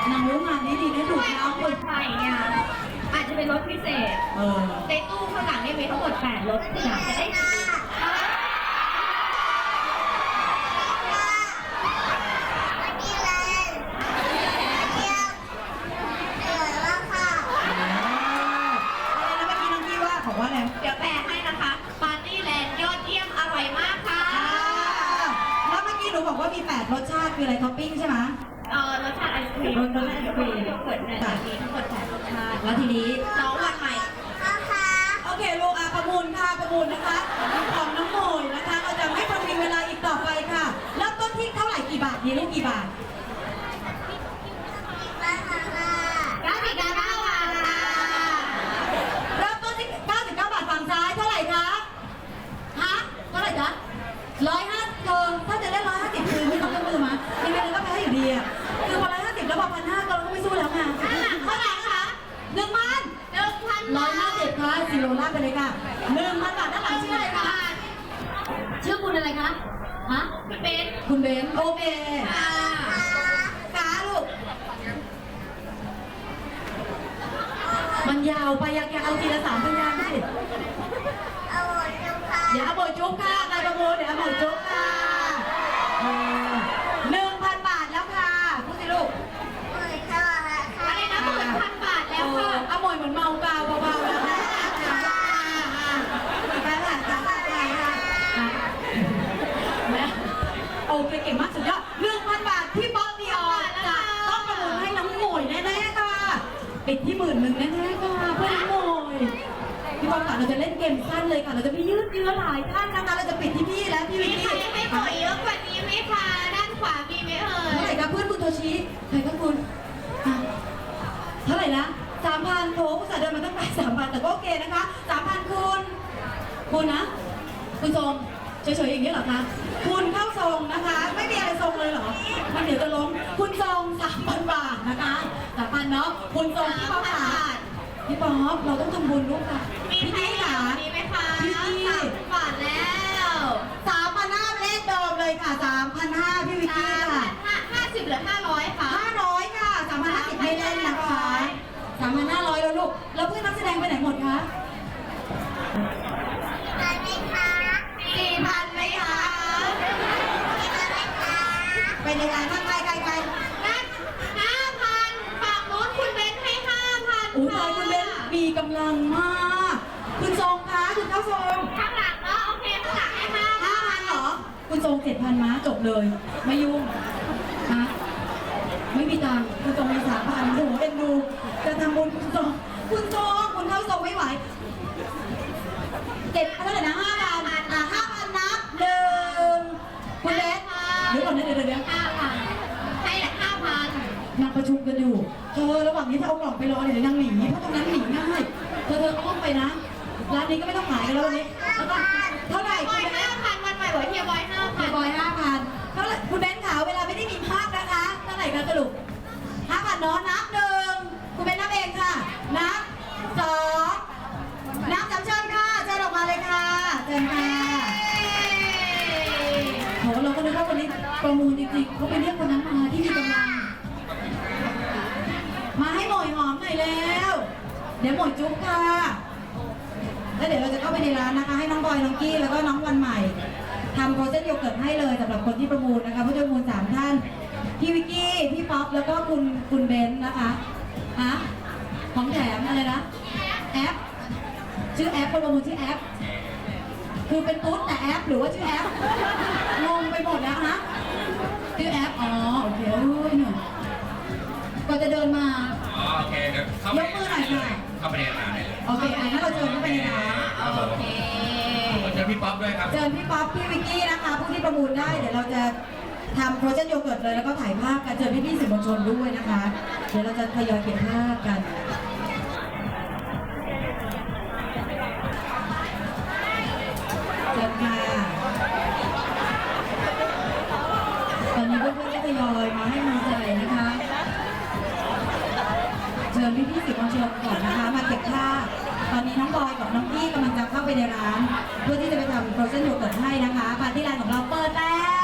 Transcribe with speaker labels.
Speaker 1: นางรู้งานนี้ดีนะดู
Speaker 2: ด้วย
Speaker 1: น้
Speaker 2: เอา
Speaker 1: อง
Speaker 2: ค
Speaker 1: คน
Speaker 2: นไทยเนี่ยอาจจะเป็นรถพิเศษในตู้ข้างหลังเนี่ยมีทั้งหมด8รถอยากจะได้
Speaker 1: บอกว่าอะไร
Speaker 2: เดี๋ยวแปลให้นะคะปาร์ตี้แลนด์ยอดเยี่ยมอร่อยมากค่ะ
Speaker 1: แล้วเมื่อกี้หนูบอกว่ามี8รสชาติคืออะไรท็อปปิ้งใช่ไหม
Speaker 2: รสชาติไอศครีม
Speaker 1: รสชาติไอศกรีม
Speaker 2: โยเกิร์ตเนี่ยจะมีทั้งหมด8รสชาติ
Speaker 1: แล้วทีนี้
Speaker 2: น้องวันใหม่
Speaker 1: โอเคลูกประมูลค่ะประมูลนะคะของน้องโมยนะคะเราจะไม่ประวิงเวลาอีกต่อไปค่ะเริ่มต้นที่เท่าไหร่กี่บาทดีลูกกี่บาท
Speaker 2: 99 บาทค่ะ
Speaker 1: เริ่มต้นที่99 บาทฝั่งซ้ายเท่าไหร่คะฮะเท่าไหร่จ๊ะ150เธอถ้าจะได้150คือไม่ต้องยกมือมายังไงเราก็แพ้อยู่ดีอ่ะคือพอ150แล้วพอ1,500เราก็ไม่สู้แล้วค่ะ
Speaker 2: เท่าไหร่คะ
Speaker 1: 1,000 150ค่ะซีโร่ลากไปเลยค่ะ1,000 บาทด้านหลังชื่ออะไรคะชื่อคุณอะไรคะฮะ
Speaker 2: คุณเบน
Speaker 1: คุณเบนโอเค
Speaker 2: ค่ะ
Speaker 1: ขาลูกมันยาวไปอยากเอาทีละ3 พยางค์สิเดี๋ยวเอาโบจุ๊บค่ะใครประมูลเดี๋ยวเอาโบจุ๊บค่ะ1,000 บาทแล้วค่ะพูดสิลูก
Speaker 2: อะไรนะ10,000 บาทแล้วค่ะ
Speaker 1: เอาหมวยเหมือนเมากาวเบาๆนะคะโอเคเก่งมากสุดยอด1,000 บาทที่บ๊อบดีออนจะต้องประมูลให้น้องหมวยแน่ๆค่ะปิดที่10,000แน่ๆค่ะเพื่อนน้องหมวยพี่บอลค่ะเราจะเล่นเกมสั้นเลยค่ะเราจะไม่ยืดเยื้อหลายท่านนะคะเราจะปิดที่พี่และพี่วิ
Speaker 2: มี
Speaker 1: ก
Speaker 2: ใคร
Speaker 1: กี้
Speaker 2: ไม่ปล่อยเยอะกว่านี้ไหมคะด้านขวามีไหมเอ่
Speaker 1: เท่าไหร่
Speaker 2: ย
Speaker 1: คะเพื่อนคุณโทชิใครก็คุณเท่าไหร่นะ3,000โถผู้สาเดินมาตั้งแต่3,000แต่ก็โอเคนะคะ3,000คุณนะคุณทรงเฉยๆอย่างนี้เหรอคะคุณเข้าทรงนะคะไม่มีอะไรทรงเลยเหรอมันเดี๋ยวจะล้มคุณทรง 3,000 บาทนะคะ3,000เนาะคุณทรงพี่ป๊อปค่ะพี่ป๊อปเราต้องทำบุญร่วมกัน
Speaker 2: มี
Speaker 1: พี่
Speaker 2: ใคร
Speaker 1: กี้
Speaker 2: เหลื
Speaker 1: ค่ะ
Speaker 2: อนี้ไหมคะ
Speaker 1: พี่กี้
Speaker 2: 30 บาทแล้ว
Speaker 1: 3,500เลขเดิมเลยค่ะ3,500พี่วิกกี้ค่ะ
Speaker 2: 50หรือ500คะ
Speaker 1: 500ค่ะ3,500ไม่เล่นนะคะ3,500แล้วลูกแล้วเพื่อนนักแสดงไปไหนหมดคะ
Speaker 2: 4,000ไหมคะ
Speaker 1: ไปในงานข้างใกล้
Speaker 2: นั่น5,000ฝั่งโน้นคุณเบนให้5,000
Speaker 1: อุ้ยตายคุณเบนมีกำลังมากคุณทรงคะคุณเข้าทรง
Speaker 2: ข้างหลังเนาะโอเคข้างหลังให้5,000
Speaker 1: 5,000เหรอคุณทรง7,000ม้าจบเลยไม่ยุ่งฮะไม่มีตังค์คุณทรงมี3,000โอ้โหเอ็นดูจะทำบุญคุณทรงคุณเข้าทรงไม่ไหวเท่าไหร่นะ5,0005,000นับ1คุณเบนเดี๋ยวก่อนนะเดี๋ยว
Speaker 2: 5,000ให้ละ5,000
Speaker 1: นางประชุมกันอยู่เธอระหว่างนี้ถ้าเอากล่องไปรอเดี๋ยวนางหนีเพราะตรงนั้นหนีง่ายเธออ้อมไปนะร้านนี้ก็ไม่ต้องขายกันแล้ววันนี้แล้วก็เท่าไหร่
Speaker 2: บ
Speaker 1: คุ
Speaker 2: อ
Speaker 1: ณ
Speaker 2: ย
Speaker 1: เบน
Speaker 2: 5,000วันใหม่บอกเฮียบอย
Speaker 1: พี่บอย 5,000เท่าไหร่คุณเบนขาวเวลาไม่ได้มีภาพนะคะเท่าไหร่คะสรุป5,000เนาะนับ1คุณเบนนับเองค่ะนับ2นับ3เชิญค่ะเชิญออกมาเลยค่ะเชิญค่ะโหเราก็นึกว่าวันนี้ประมูลจริงๆเขาไปเรียกคนนั้นมาที่มีกำลังมาให้หมวยหอมหน่อยแล้ว เดี๋ยวหมวยจุ๊บค่ะแล้วเดี๋ยวเราจะเข้าไปในร้านนะคะให้น้องบอยน้องกี้แล้วก็น้องวันใหม่ทำโปรเซสโยเกิร์ตให้เลยสำหรับคนที่ประมูลนะคะผู้ประมูล3 ท่านพี่วิกกี้พี่ป๊อปแล้วก็คุณเบนนะคะฮะของแถมอะไรนะแอปชื่อแอปคนประมูลชื่อแอปคือเป็นตุ๊ดแต่แอปหรือว่าชื่อแอปงงไปหมดแล้วนะชื่อแอปอ๋อโอเคโอ้ยหนูก็จะเดินมา
Speaker 3: อ๋อโอเคเดี๋ยวเข้าไป
Speaker 1: ยกมือหน่อยค่ะ
Speaker 3: เข้าไปในร้านเลย
Speaker 1: โอเคงั้นเราเชิญเข้าไปในร้าน
Speaker 3: ครับผม
Speaker 2: โอเค
Speaker 3: เจอพี่ป๊อปด้วยครับ
Speaker 1: เชิญพี่ป๊อปพี่วิกกี้นะคะผู้ที่ประมูลได้เดี๋ยวเราจะทำโปรเจกต์โยเกิร์ตเลยแล้วก็ถ่ายภาพกันเชิญพี่ๆสื่อมวลชนด้วยนะคะ เดี๋ยวเราจะทยอยเก็บภาพกันเชิญค่ะตอนนี้เพื่อนๆก็ทยอยมาให้กำลังใจนะคะ เชิญพี่ๆสื่อมวลชนก่อนนะคะมาเก็บภาพตอนนี้น้องบอยกับน้องกี้กำลังจะเข้าไปในร้าน เพื่อที่จะไปทำโปรเซสโยเกิร์ตให้นะคะปาร์ตี้ไลน์ของเราเปิดแล้ว